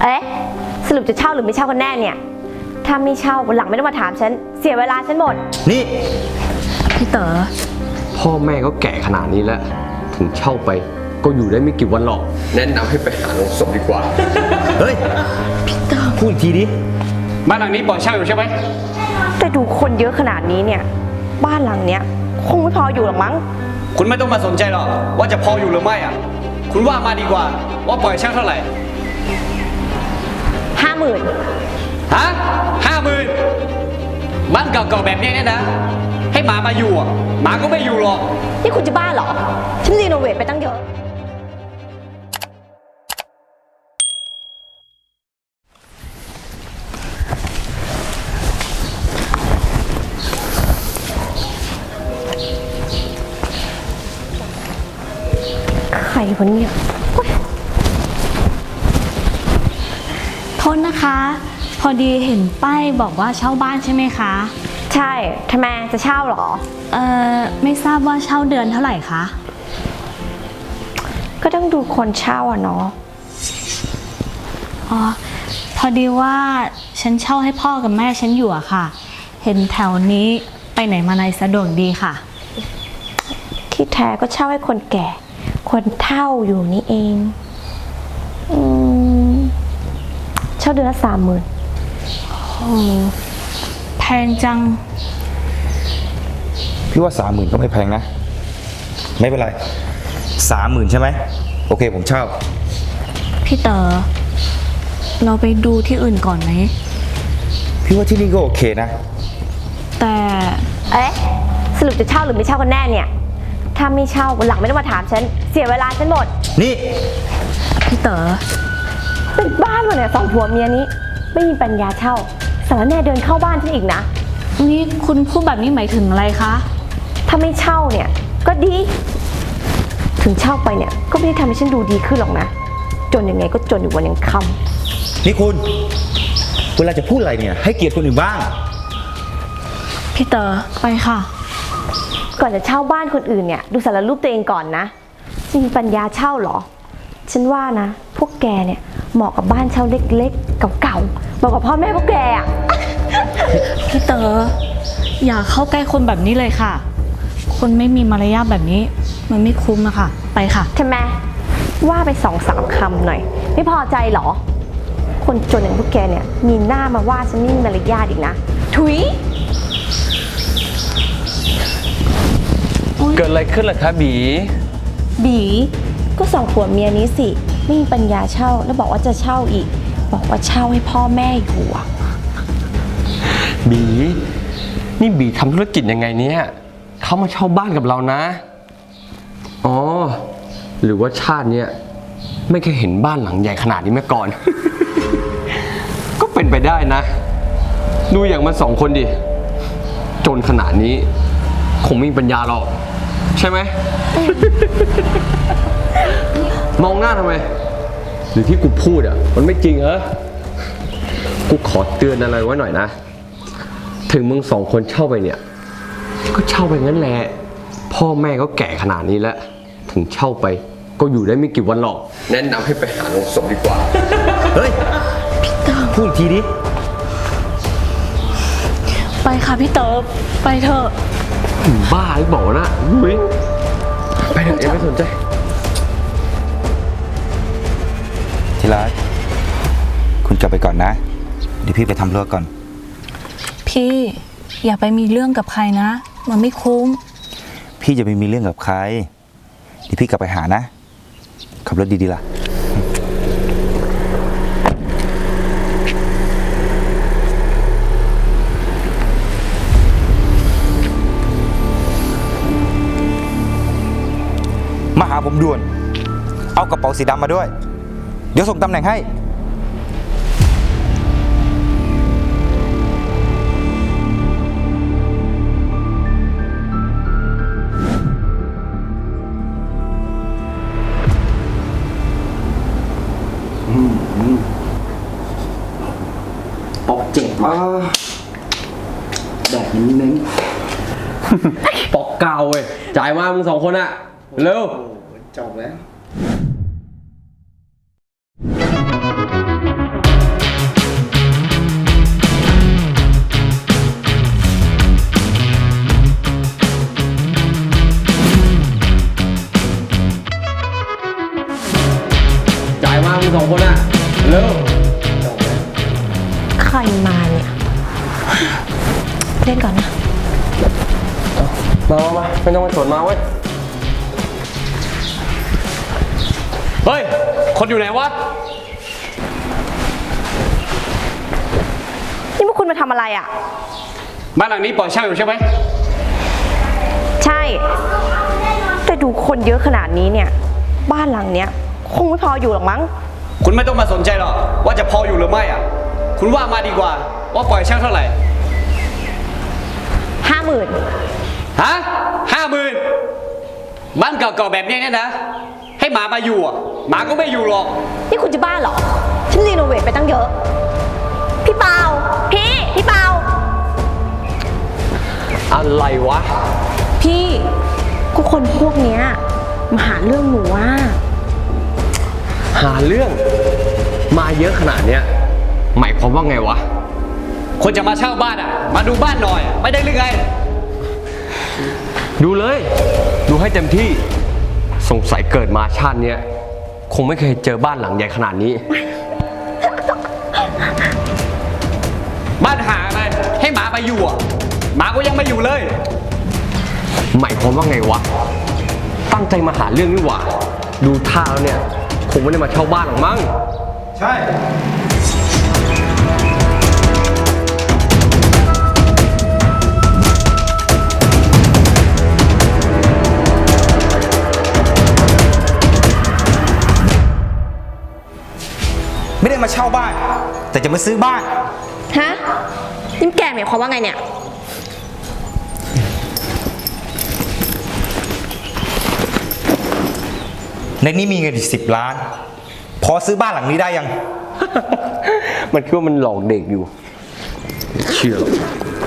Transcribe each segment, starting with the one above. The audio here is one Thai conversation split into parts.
เอ๊ะสรุปจะเช่าหรือไม่เช่ากันแน่เนี่ยถ้าไม่เช่าวันหลังไม่ต้องมาถามฉันเสียเวลาฉันหมดนี่พี่เต๋อพ่อแม่ก็แก่ขนาดนี้แล้วถึงเช่าไปก็อยู่ได้ไม่กี่วันหรอกแนะนำให้ไปหาโรงศพดีกว่าเฮ้ยพี่เต๋อพูดอีกทีดิบ้านหลังนี้ปล่อยเช่าอยู่ใช่ไหมแต่ดูคนเยอะขนาดนี้เนี่ยบ้านหลังเนี้ยคงไม่พออยู่หรอกมั้งคุณไม่ต้องมาสนใจหรอกว่าจะพออยู่หรือไม่อ่ะคุณว่ามาดีกว่าว่าปล่อยเช่าเท่าไหร่ 50,000 ฮะ50,000บ้านเก่าๆแบบนี้เนี่ยนะให้หมามาอยู่อ่ะหมาก็ไม่อยู่หรอกนี่คุณจะบ้าเหรอฉันรีโนเวทไปตั้งเยอะใครวะเนี่ยโทษนะคะ พอดีเห็นป้ายบอกว่าเช่าบ้านใช่ไหมคะใช่ทำไมจะเช่าเหรอไม่ทราบว่าเช่าเดือนเท่าไหร่คะก็ต้องดูคนเช่าอะเนาะอ๋อพอดีว่าฉันเช่าให้พ่อกับแม่ฉันอยู่อะค่ะเห็นแถวนี้ไปไหนมาไหนสะดวกดีค่ะที่แท้ก็เช่าให้คนแก่คนเฒ่าอยู่นี่เองเช่าเดือนละ30,000 โอ้แพงจังพี่ว่า30,000ก็ไม่แพงนะไม่เป็นไร30,000ใช่ไหมโอเคผมเช่าพี่เต๋อเราไปดูที่อื่นก่อนไหมพี่ว่าที่นี่ก็โอเคนะแต่เอ๊ะสรุปจะเช่าหรือไม่เช่ากันแน่เนี่ยถ้าไม่เช่าวันหลังไม่ต้องมาถามฉันเสียเวลาฉันหมดนี่พี่เต๋อเป็นบ้านมาเนี่ย2 ผัวเมียนี้ไม่มีปัญญาเช่าสารแน่เดินเข้าบ้านฉันอีกนะนี่คุณพูดแบบนี้หมายถึงอะไรคะถ้าไม่เช่าเนี่ยก็ดีถึงเช่าไปเนี่ยก็ไม่ได้ทำให้ฉันดูดีขึ้นหรอกนะจนยังไงก็จนอยู่วันยังค่ำนี่คุณเวลาจะพูดอะไรเนี่ยให้เกียรติคนอื่นบ้างพี่เต๋อไปค่ะก่อนจะเช่าบ้านคนอื่นเนี่ยดูสารรูปตัวเองก่อนนะจะมีปัญญาเช่าหรอฉันว่านะพวกแกเนี่ยเหมาะกับบ้านเช่าเล็กๆเก่าๆเหมาะกับพ่อแม่พวกแกอ่ะพี่เต๋ออย่าเข้าใกล้คนแบบนี้เลยค่ะคนไม่มีมารยาทแบบนี้มันไม่คุ้มอะค่ะไปค่ะใช่ไหมว่าไป2-3 คำหน่อยไม่พอใจหรอคนจนอย่างพวกแกเนี่ยมีหน้ามาว่าฉันไม่มีมารยาทอีกนะถุยเกิดอะไรขึ้นล่ะคะบีก็2 ผัวเมียนี้สิไม่มีปัญญาเช่าแล้วบอกว่าจะเช่าอีกบอกว่าเช่าให้พ่อแม่อยู่อ่ะบีนี่บีทำธุรกิจยังไงเนี่ยเขามาเช่าบ้านกับเรานะอ๋อหรือว่าชาติเนี้ยไม่เคยเห็นบ้านหลังใหญ่ขนาดนี้มาก่อน ก็เป็นไปได้นะดูอย่างมัน2 คนดิจนขนาดนี้คงไม่มีปัญญาหรอกใช่ไหม มองหน้าทำไมหรือที่กูพูดอ่ะมันไม่จริงเหรอกูขอเตือนอะไรไว้หน่อยนะถึงมึง2 คนเช่าไปเนี่ยก็เช่าไปงั้นแหละพ่อแม่ก็แก่ขนาดนี้แล้วถึงเช่าไปก็อยู่ได้ไม่กี่วันหรอกแนะนำให้ไปหาโรงศพดีกว่าเฮ้ยพี่เต๋อพูดอีกทีดิไปค่ะพี่เต๋อไปเถอะบ้าหรือเปล่านะไปเถอะไม่สนใจทีรักคุณกลับไปก่อนนะเดี๋ยวพี่ไปทำเรื่องก่อนพี่อย่าไปมีเรื่องกับใครนะมันไม่คุ้มพี่จะไม่มีเรื่องกับใครเดี๋ยวพี่กลับไปหานะขับรถดีๆล่ะมาหาผมด่วนเอากระเป๋าสีดำมาด้วยเดี๋ยวส่งตำแหน่งให้ปอกเจ็บแดดเน้นปอกเก่าเว้ยจ่ายมามึง2 คนอะเร็วจบแล้วสองคนอ่ะ เร็วใครมาเนี่ย เล่นก่อนนะมาไม่ต้องมาสวนมาเว้ย เฮ้ย คนอยู่ไหนวะนี่พวกคุณมาทำอะไรอ่ะบ้านหลังนี้ปล่อยเช่าอยู่ใช่ไหมใช่ แต่ดูคนเยอะขนาดนี้เนี่ย บ้านหลังเนี้ยคงไม่พออยู่หรอกมั้งคุณไม่ต้องมาสนใจหรอกว่าจะพออยู่หรือไม่อ่ะ คุณว่ามาดีกว่าว่าปล่อยเช่าเท่าไหร่ 50,000 ฮะ50,000บ้านเก่าๆแบบนี้เนี่ยนะ ให้หมามาอยู่อ่ะหมาก็ไม่อยู่หรอกนี่คุณจะบ้าเหรอ ฉันรีโนเวทไปตั้งเยอะ พี่เปาพี่เปาอะไรวะพี่ก็คนพวกเนี้ยมาหาเรื่องหนูว่าหาเรื่อง มาเยอะขนาดเนี้ย หมายความว่าไงวะคนจะมาเช่าบ้านอ่ะ มาดูบ้านหน่อย ไม่ได้หรือไงดูเลย ดูให้เต็มที่ สงสัยเกิดมาชาติเนี้ยคงไม่เคยเจอบ้านหลังใหญ่ขนาดนี้บ้านหาอะไรให้หมามาอยู่อ่ะหมาก็ยังไม่อยู่เลยหมายความว่าไงวะ ตั้งใจมาหาเรื่องนี่หว่า ดูท่าแล้วเนี่ย คงไม่ได้มาเช่าบ้านหรอกมั้งใช่ ไม่ได้มาเช่าบ้าน แต่จะมาซื้อบ้านฮะนี่แกหมายความว่าไงเนี่ยในนี้มีเงินอีก10 ล้าน พอซื้อบ้านหลังนี้ได้ยังมันคิดว่ามันหลอกเด็กอยู่ เชื่อหรอก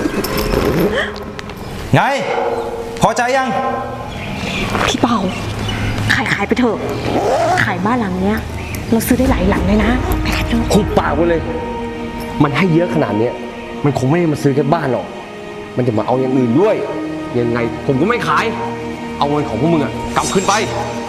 ไง พอใจยังพี่เปาขายไปเถอะ ขายบ้านหลังเนี้ย เราซื้อได้หลายหลังเลยนะไปขายเถอะคุบปากไว้เลย มันให้เยอะขนาดเนี้ย มันคงไม่ได้มาซื้อแค่บ้านหรอก มันจะมาเอาอย่างอื่นด้วย ยังไงผมก็ไม่ขาย เอาเงินของพวกมึงอะกลับคืนไป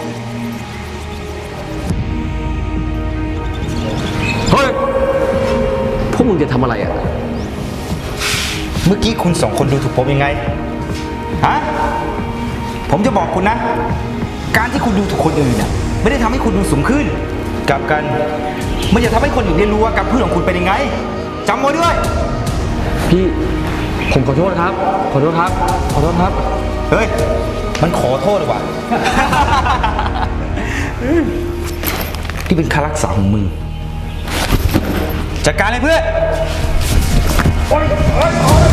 เฮ้ย พวกมึงจะทำอะไรอะเมื่อกี้คุณ2 คนดูถูกผมยังไง ฮะ ผมจะบอกคุณนะ การที่คุณดูถูกคนอื่นน่ะไม่ได้ทำให้คุณดูสูงขึ้น กลับกัน มันจะทำให้คนอื่นได้รู้ว่าการพูดของคุณเป็นยังไงจำไว้ด้วยพี่ ผมขอโทษครับ ขอโทษครับ ขอโทษครับเฮ้ย มันขอโทษหรือวะ ที่เป็นค่ารักษาของมึง จัดการเลยเพื่อน